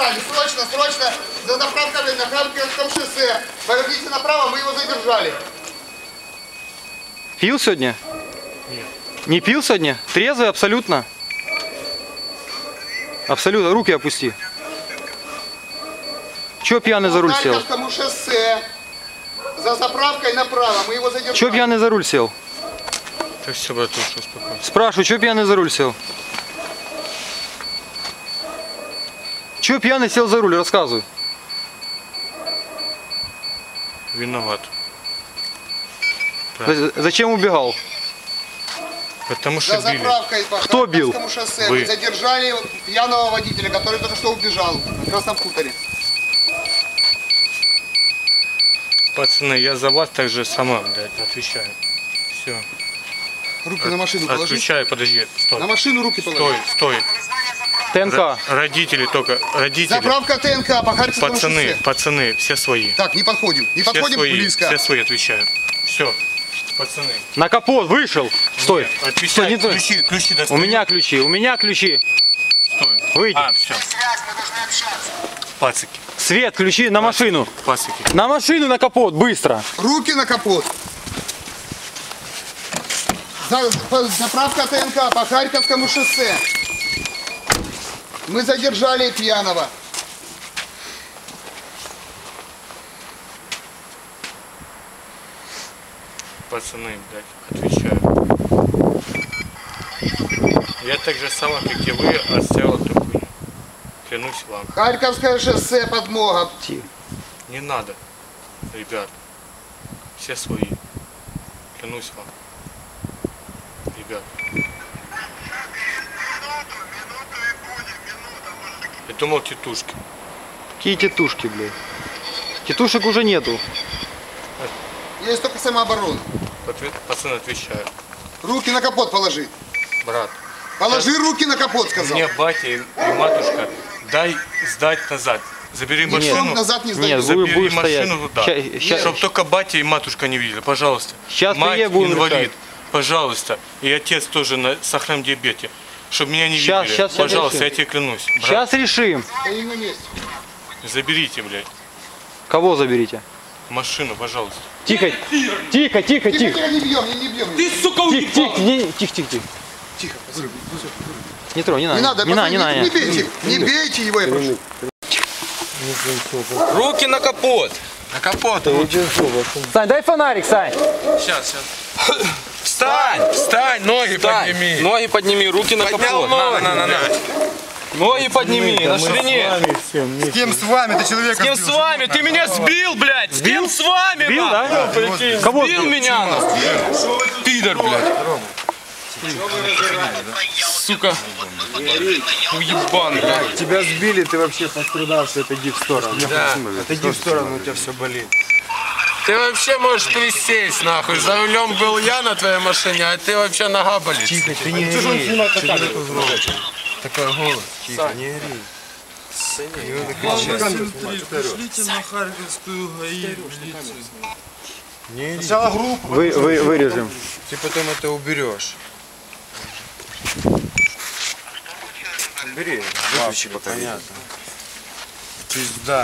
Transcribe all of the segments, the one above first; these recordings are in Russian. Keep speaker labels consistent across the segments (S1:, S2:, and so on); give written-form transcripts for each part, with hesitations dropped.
S1: сказали, срочно, за заправкой на Харьковском шоссе. Поверните направо, мы его задержали.
S2: Пил сегодня?
S3: Нет.
S2: Не пил сегодня? Трезвый абсолютно? Абсолютно. Руки опусти. Чё пьяный за руль сел?
S1: По Харьковскому шоссе. За заправкой направо, мы его задержали.
S2: Чё пьяный за руль сел?
S3: Так все, братуш, успокойся.
S2: Спрашиваю, чё пьяный за руль сел? Чё пьяный сел за руль? Рассказывай.
S3: Виноват.
S2: Зачем убегал?
S3: Потому что
S1: За
S3: били.
S1: заправкой по
S2: Кто бил?
S1: Харьковскому шоссе
S3: Вы.
S1: мы задержали пьяного водителя, который только что убежал на Красном хуторе.
S3: Пацаны, я за вас так же сама, блядь, отвечаю. Все.
S1: Руки на машину положи.
S3: Отключаю, подожди, стой.
S1: На машину руки положи.
S3: Стой.
S2: ТНК.
S3: Родители только, родители.
S1: Заправка ТНК по Харьковскому шоссе.
S3: Пацаны, все свои.
S1: Так, не подходим
S3: Все свои,
S1: близко.
S3: все свои, отвечаю. Все, пацаны.
S2: На капот вышел. Стой.
S3: Нет, отвечай,
S2: не то.
S3: ключи
S2: У
S3: достаю.
S2: меня ключи.
S3: Стой.
S2: Выйди.
S3: Все. Пацики,
S2: Свет, ключи на машину.
S3: пацики.
S2: На машину, на капот, быстро.
S1: Руки на капот. Заправка ТНК по Харьковскому шоссе. Мы задержали пьяного.
S3: Пацаны, блядь, отвечаю. Я так же сама, как и вы, отстоял эту хуйню. Клянусь вам.
S1: Харьковское шоссе, подмога.
S3: Не надо, ребят. Все свои. Клянусь вам. Ребят. Я думал, тетушки.
S2: Какие тетушки, блядь? Тетушек уже нету.
S1: Есть только самооборона.
S3: Пацаны, отвечаю.
S1: Руки на капот положи.
S3: Брат,
S1: Положи руки на капот, сказал.
S3: мне батя и матушка, дай сдать назад. Забери
S1: Ничего
S3: машину.
S1: назад не
S2: Нет,
S1: сдает.
S3: Забери
S2: будешь
S3: машину
S2: стоять.
S3: туда.
S2: Ща-
S3: Чтобы только батя и матушка не видели, пожалуйста.
S2: Щас
S3: Мать
S2: приедем, будем
S3: инвалид,
S2: решать.
S3: пожалуйста. И отец тоже на сахарном диабете. Чтобы меня не
S2: Щас,
S3: видели.
S2: щас
S3: Пожалуйста,
S2: решим.
S3: я тебе клянусь. Брат,
S2: Сейчас решим.
S1: Стоим на месте.
S3: заберите, блядь,
S2: Кого заберите?
S3: машину, пожалуйста.
S2: Тихо.
S1: Тихо, не бьем, не бьем.
S2: Тихо.
S1: Тихо.
S2: Не трогай, не
S1: Не
S2: надо.
S1: надо,
S2: Не
S1: пацаны,
S2: надо.
S1: не бейте его, я прошу.
S4: Руки на капот.
S3: На капот.
S2: Сань, дай фонарик, Сань.
S3: Сейчас. Встань, ноги подними.
S4: Ноги подними, руки на
S3: Поднял
S4: капот.
S3: ноги.
S4: На. Ноги подними, на ширине.
S1: С кем с вами? Ты человека
S4: С кем с вами? Ты меня сбил, блядь! С кем с вами,
S2: Бил,
S4: нахуй?
S2: да? Кого
S4: Сбил меня, нахуй. Пидор, блядь. Сука. Уебан, блядь.
S5: Тебя сбили, ты вообще пострадавший, отойди в сторону.
S4: Да.
S5: Отойди в сторону, у тебя все болит.
S4: Ты вообще можешь присесть, нахуй. За рулем был я на твоей машине, а ты вообще нога болит.
S5: Тихо, ты не ори. Чего ты тут громче? Такой голос. Тихо, не ори.
S6: Пришлите на Харьковскую ГАИ.
S5: Не ори.
S1: Сначала группу.
S2: Вырежем.
S5: Ты потом это уберешь. Убери. Выключи пока. Понятно. Пизда.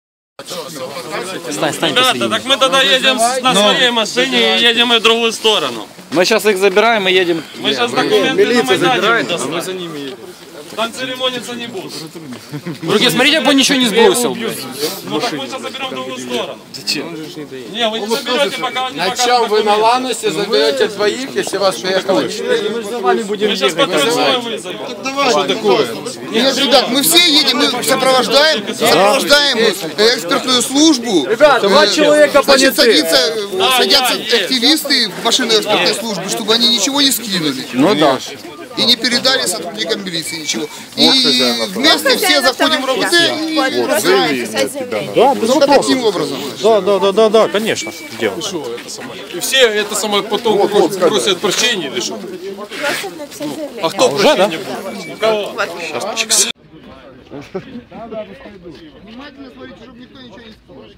S2: Стань
S6: Ребята, так мы тогда едем на своей машине и едем в другую сторону.
S4: Мы сейчас их забираем и едем.
S6: Мы сейчас документы на Майдане достанем. Мы за ними едем. Там церемониться не будут.
S4: Руки, смотрите, бы он ничего не сбросил.
S6: Ну так мы сейчас заберем в другую сторону. Зачем? Не, вы не заберете, пока он не покажет
S7: Чем вы на
S6: документы.
S7: Ланосе заберете двоих, если вас приехало 4?
S6: Мы сейчас патруль свой вызовем.
S7: Что такое?
S1: Нет, ребят, мы все едем, мы сопровождаем экспертную службу.
S7: Ребят, два человека
S1: Значит,
S7: поняты.
S1: садятся активисты в машину экспертной службы, чтобы они ничего не скинули.
S7: Ну да.
S1: И не передали сотрудникам милиции ничего. И вместе все заходим в РОВД и разбираемся. Только таким образом.
S5: Да, конечно. Делаем.
S6: И все это самое потом просят прощения или что? А кто прощения будет? У кого?
S1: Внимательно смотрите, чтобы никто ничего не сказал.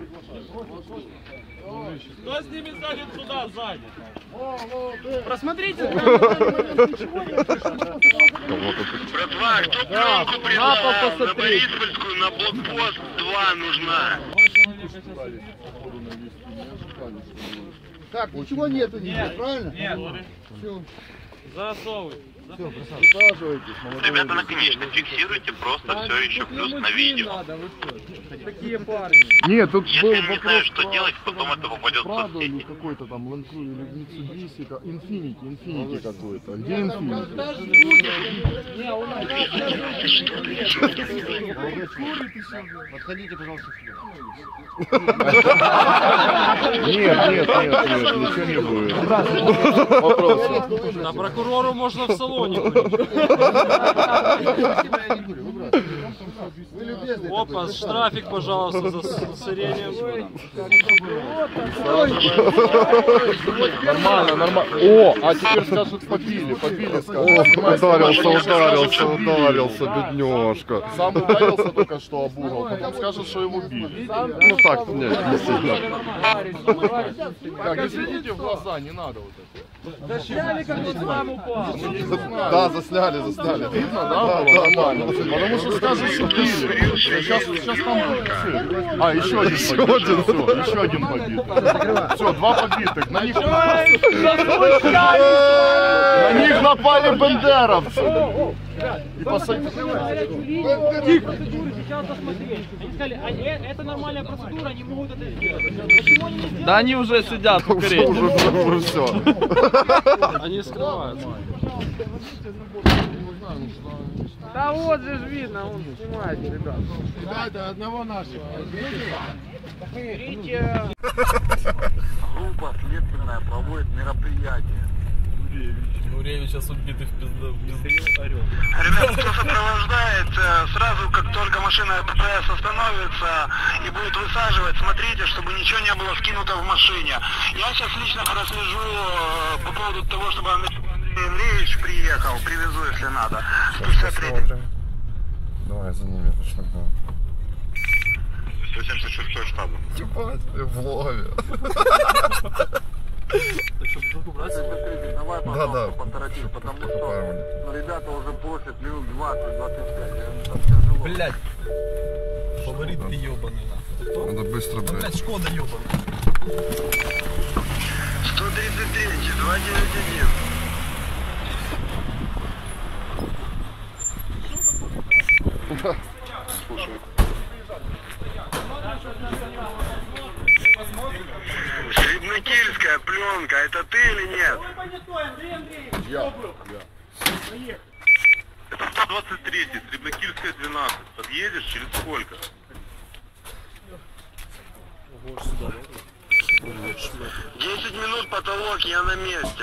S6: Кто снимет сзади туда, сзади? Просмотрите.
S8: Братва, кто пленку прислал? На Бориспольскую, на блокпост 2 нужна.
S1: Так, ничего нету здесь, правильно?
S6: Нет.
S1: Все.
S6: Засовывай.
S8: Ребята, наконечно фиксируйте, просто все еще плюс на видео.
S6: Такие парни.
S5: Нет, тут
S8: Если
S5: был
S8: не
S5: вопрос
S8: знаю, что делать, потом это попадет в
S5: Прадо или
S8: соцсети.
S5: какой-то там Land Cruiser или Mitsubishi, Infinity какой-то. Где Infinity?
S2: Подходите, пожалуйста,
S5: Нет, ничего не будет. Вопрос.
S6: На прокурору можно в салоне. Опа, штрафик, пожалуйста, за сырение.
S5: Нормально. О, а теперь скажут побили, скажут. Ударился, бедняжка. Сам ударился только что об угол, потом скажут, что его били. Ну так, нет, не сильно. Так, не светите в глаза, не надо вот это.
S6: Да сняли, как он сам упал.
S5: Да, засняли. Видно, да, было нормально. Потому что скажут, что били. Сейчас там будет цирк. А, еще один побитый. Все, 2 побитых. На них напали бендеровцы. И посадили.
S6: Тихо. Сейчас посмотреть. Они сказали, это нормальная процедура, они могут это сделать. Почему они не сделали? Да они уже сидят в Корее.
S5: Уже все.
S6: Они скрываются. Да вот же видно, он снимает, ребят.
S7: Ребята, одного нашего.
S6: Берите.
S8: Группа следственная проводит мероприятие.
S6: Нуревич сейчас убитый в пизду.
S8: Ребята, кто сопровождает, сразу как только машина ППС остановится и будет высаживать, смотрите, чтобы ничего не было скинуто в машине. Я сейчас лично прослежу по поводу того, чтобы Андрей Андреевич приехал, привезу, если надо. 163.
S5: Давай за ними пошагнем.
S8: 176 штаба.
S5: В лове.
S8: Давай,
S5: Да.
S8: пожалуйста, поторопись, потому что ребята уже просят минут 20-25.
S7: Блять. Фаворит ты ебаный нахуй.
S5: Надо быстро, блядь.
S7: Блять, Шкода ебаный.
S8: 133, 291. Среднокильская пленка, это ты или нет?
S5: Я.
S8: Это 123, Среднокильская 12. Подъедешь через сколько? 10 минут потолок, я на месте.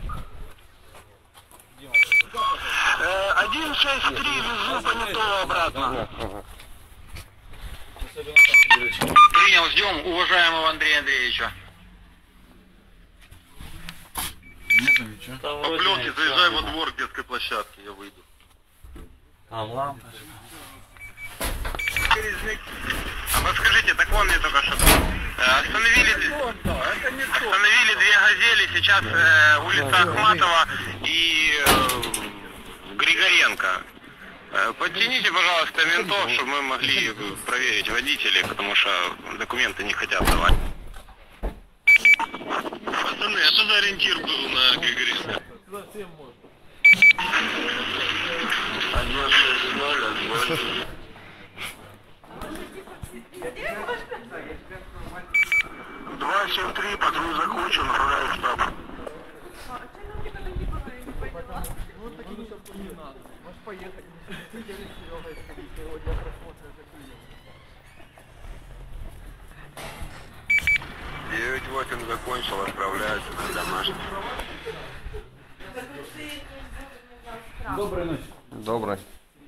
S8: 163, везу понятого обратно. Принял, ждем уважаемого Андрея Андреевича. По пленке заезжай во двор детской площадки, я выйду. Подскажите, так он мне только что. Остановили 2 «Газели», сейчас улица Ахматова и Григоренко. Подтяните, пожалуйста, ментов, чтобы мы могли проверить водителей, потому что документы не хотят давать. Пацаны, а что за ориентир был на Григоренко? 160. 273, патруль закончен, направляю в штаб. Девять 8 закончил, отправляется на домашний.
S5: Доброй ночи. Доброй.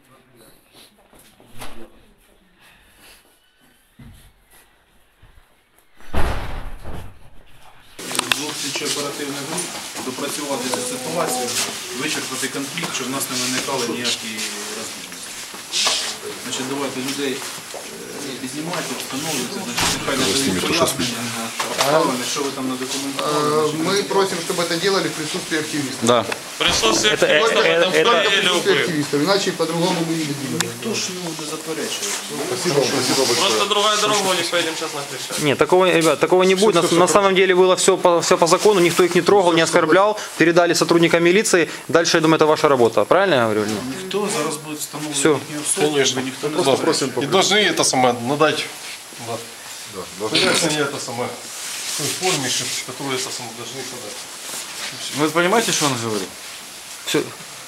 S9: Слідчо оперативних груп допрацювати цю ситуацію, вичерпати конфлікт, щоб в нас не виникали ніякі розбіжності. Значить, давайте людей знімайте, встановлюйте, значить, нехай надають пояснення на обставини, що ви там на документували.
S1: Мы просим, чтобы это делали в присутствии активистов.
S2: Да.
S3: Присутствие
S1: Только в
S3: это
S1: присутствии активистов, иначе по-другому мы не видим.
S9: Хто ж йому не заперечує?
S3: Просто другая дорога, у них поедем сейчас на Крещатик.
S2: Нет, такого, ребят, такого не будет. На самом деле было все по закону, никто их не трогал, не оскорблял, передали сотрудникам милиции. Дальше, я думаю, это ваша работа. Правильно я говорю?
S9: Ніхто зараз буде встановлювати
S2: Все.
S9: їхні особи,
S5: Конечно.
S9: ніхто не
S5: Просто просим
S10: И должны это самое надать.
S5: Да.
S10: Пояснение это самое. В той форме, которую это самое должны подать.
S2: Вы понимаете, что он говорит? Все.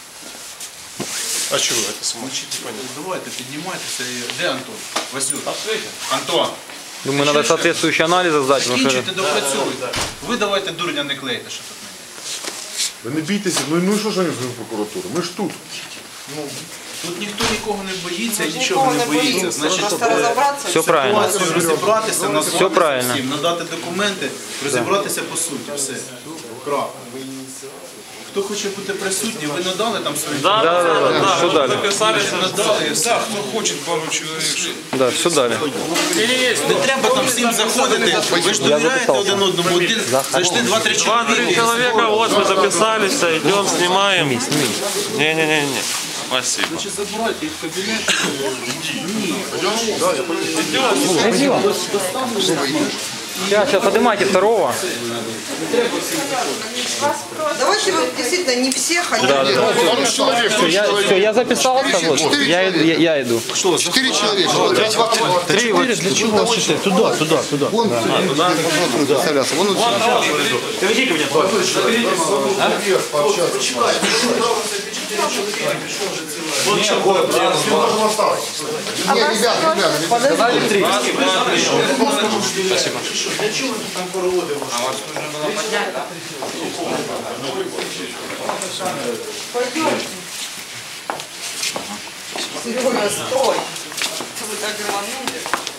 S10: А что это самое?
S9: Давайте, піднімайтеся. Де Антон? Васюк. Антон.
S2: Думаю, надо соответствующие анализы сдать. потому что-
S9: Закінчуйте, допрацюйте. Ви давайте дурня не клейте, що тут не.
S5: Ви не бійтеся, ну і що ж вони з прокуратури? Ми ж тут.
S9: Тут ніхто нікого не боїться і нічого не боїться. Значить,
S2: Все правильно.
S9: ситуацію розібратися, назвати
S2: Все правильно.
S9: всім, надати документи, розібратися по суті. Все. Крапка. Хто хоче бути присутній, ви надали там свої
S2: Да. Все дали.
S9: надали, все. Хто хоче пару чоловік.
S2: Да, все дали.
S9: Не треба там всім заходити. Ви ж довіряєте один одному. Один зайшли 2-3 чоловіки.
S3: Человека, вот мы записались, идем, снимаем. Не-не-не. Спасибо.
S9: Значить, забирайте їх в кабінет.
S2: Сейчас поднимайте второго.
S11: Давайте вы действительно не все хотите.
S2: Все, я записался. Вот. Я иду.
S1: 4 человека.
S2: Три. Вот.
S1: Для чего? Туда. Вон представлялся. Вон
S2: Приведи ко мне.
S1: ребята.
S2: Спасибо.
S9: Для чого ми там проводимо?
S11: Серега, стой. Вы так рванули.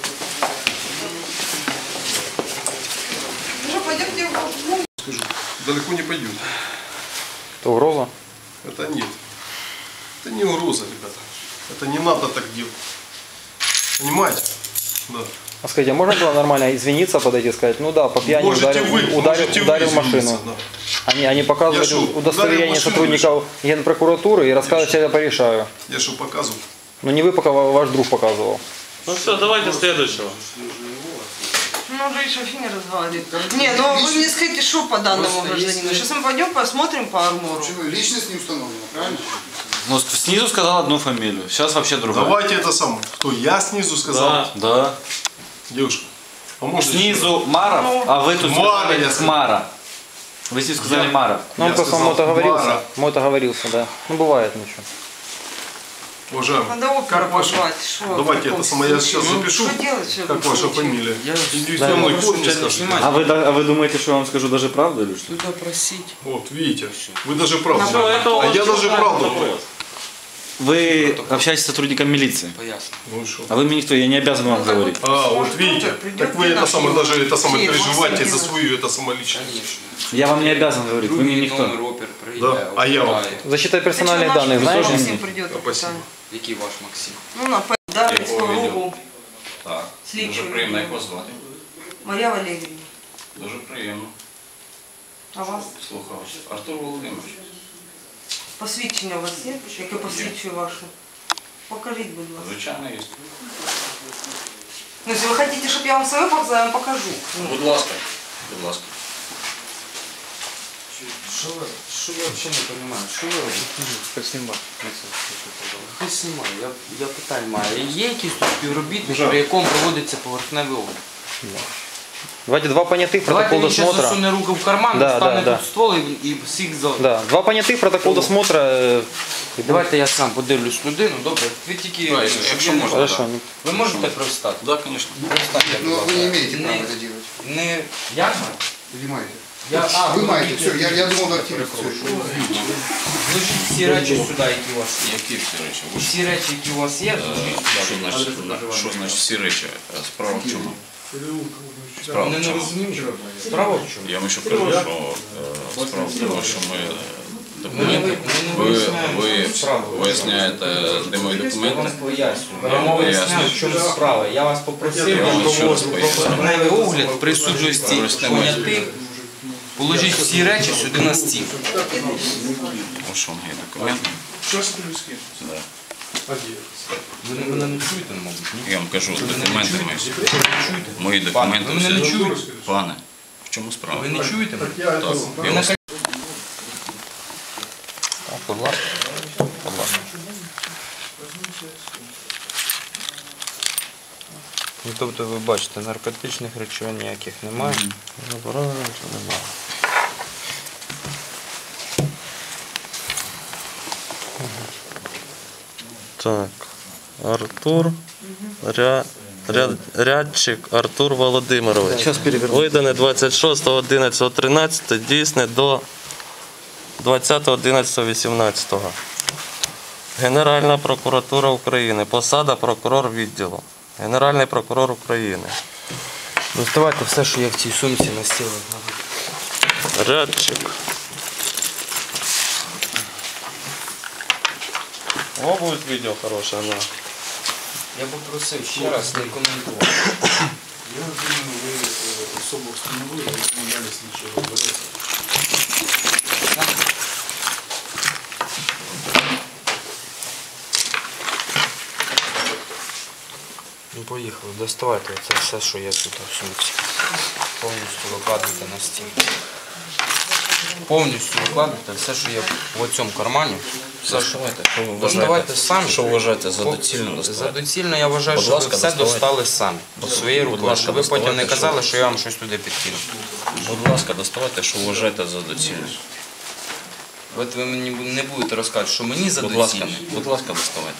S11: Ну, пойдемте в глубь.
S10: Скажу, далеко не пойдет.
S2: Это угроза?
S10: Это нет. Это не угроза, ребята. Это не надо так делать. Понимаете? Да.
S2: А скажите, а можно было нормально извиниться, подойти и сказать, ну да, по пьяни ударил машину. Они показывают удостоверение сотрудников Генпрокуратуры и рассказывают, что я порешаю.
S10: Я что показывал?
S2: Ну не вы, пока ваш друг показывал.
S3: Ну все, давайте следующего.
S11: Ну, уже и шофи не разговаривает. Не, ну вы мне скажите, что по данному гражданину. Сейчас мы пойдем посмотрим по армору.
S1: Личность не установлена, правильно?
S12: Ну, снизу сказал одну фамилию, сейчас вообще другая.
S10: Давайте это самое. Кто? Я снизу сказал?
S12: Да.
S10: Девушка. А может,
S12: снизу Маров, а вы тут
S10: Мара,
S12: сказали Мара. Вы здесь сказали Мара.
S2: Ну он просто мото говорился, да. Ну бывает ничего.
S10: Уважаемый,
S11: Надо опера
S10: как ваша?
S11: позвать. Что
S10: Давайте
S11: в таком
S10: это самое, я сейчас
S11: случае?
S10: запишу.
S11: Что делать в
S10: Как
S11: этом
S10: ваша
S11: случае?
S10: фамилия?
S12: Да,
S10: мной форме скажите.
S12: А вы думаете, что я вам скажу даже правду или что?
S11: Туда просить.
S10: Вот, видите, вы даже правду.
S3: Ну, это
S10: А я
S3: очень
S10: даже правду говорю.
S12: Вы общаетесь с сотрудником милиции.
S10: Ну и что?
S12: А вы мне никто, я не обязан вам говорить.
S10: А, вот видите, так вы это самое, даже это самое переживаете за свою это самоличность.
S12: Я вам не обязан говорить, вы мне никто.
S10: Да, а я вам.
S2: Защита персональных данных, знаешь?
S11: Максим придет.
S10: Спасибо.
S13: Який ваш Максим?
S11: Ну, на Дарницького руку.
S13: Так.
S11: Слідчого.
S13: Дуже приємно, як вас звати?
S11: Марія Валеріївна.
S13: Дуже приємно.
S11: А вас?
S13: Слухав. Артур Володимирович.
S11: Посвідчення у вас є? Яке посвідчує ваше? Покажіть, будь ласка.
S13: Звичайно, є.
S11: Ну, если вы хотите, чтобы я вам свое показала, я вам покажу.
S13: Будь ласка. Будь ласка.
S6: Що я взагалі не розумію? Що ви робите? Хай знімає, я питань маю. Є якийсь тут співробітник, при якому проводиться поверхневий огляд?
S2: Давайте два понятых, протокол
S6: Давайте він ще
S2: досмотра.
S6: засуне руку в карман,
S2: Да,
S6: достане
S2: да,
S6: тут ствол і всіх за...
S2: Да, два понятых, протокол досмотра.
S6: Давайте я сам подивлюсь людину, добре? Ви тільки, якщо можна.
S2: Хорошо.
S6: Ви можете привстати?
S13: Так, звісно.
S1: Но вы не имеете права это делать.
S6: Не я?
S1: Вы маете.
S6: Я,
S1: Вы маете, все, я думал на активе.
S6: Зложіть всі речі сюди, які у вас є.
S13: Які всі речі?
S6: Всі речі, які у вас є, зложіть сюди.
S13: Що значить всі речі? Справа в чому?
S6: Справа не розумію. Справа в чому?
S13: Я вам ще кажу, що справа в тому, що ми Документи. Ви виясняєте, де мої документи?
S6: Я вам поясню, в чому справа. Я вас попросив поверхневий огляд в присутності понятих. Положіть всі речі сюди на стіл.
S13: Ось вам є документи. Да.
S6: Ви мене не чуєте, мабуть?
S13: Я вам кажу, документи мої. Мої документи.
S6: Ви мене не чуєте?
S13: Пане, в чому справа?
S6: Ви не чуєте мене?
S13: Так, я вас...
S2: Будь ласка. Будь ласка. Ну, тобто ви бачите, наркотичних речовин ніяких немає. Заборонено нічого немає.
S14: Так, Артур, Рядчик Артур Володимирович. Видане 26.11.13, дійсне до 20.11.18. Генеральна прокуратура України. Посада прокурор відділу. Генеральний прокурор України.
S6: Доставайте все, що є в цій сумці на стіл.
S14: Рядчик. О, будет видео хорошее, да.
S6: Я попросив ще раз не коментувати.
S9: Я думаю, ви особу встановили, і тому далі слідчого розбереться.
S6: Ну, поїхали, доставайте це все, що є тут в сумці. Повністю викладайте на стіл. Повністю викладайте все, що є в цьому кармані. Доставайте самі.
S13: Що вважаєте за доцільно доставати?
S6: За доцільно я вважаю, що ви все достали самі. Своєю рукою, щоб ви потім не казали, що я вам щось туди підкинув.
S13: Будь ласка, доставайте, що вважаєте за доцільно.
S6: От ви мені не будете розказувати, що мені за
S13: Будь ласка,
S6: доцільно.
S13: доставайте.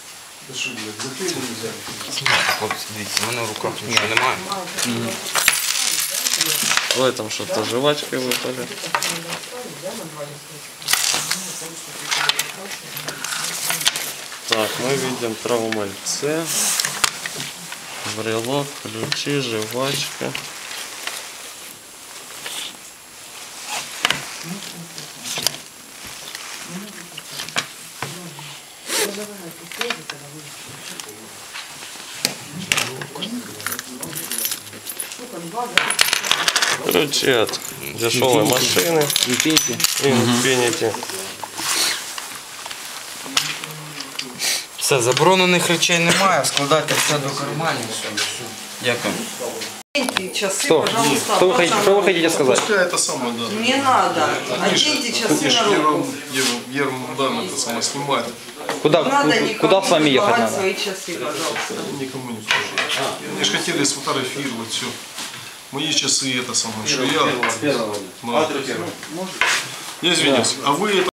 S6: Хлопці, дивіться, в мене в руках нічого немає.
S14: В этом что-то жвачкой выпали. Так, мы видим травмальце, брелок, ключи, жвачка. Ключи от дешевой машины. Infiniti.
S6: Все, заборонених речей немає, складайте все до карманів.
S13: Дякую.
S11: Часы,
S2: Что?
S11: пожалуйста,
S2: Что вы хотите сказать?
S10: Пускай это самое, да.
S11: Не надо. Оденьте часы на руку.
S10: Ерунда это самое снимает.
S2: Куда с вами ехать
S11: давать
S2: надо?
S11: свои часы, пожалуйста.
S10: Никому не скажу. Они же хотели сфотографировать все. Мои часы это самое, что я... Я извиняюсь. А вы это...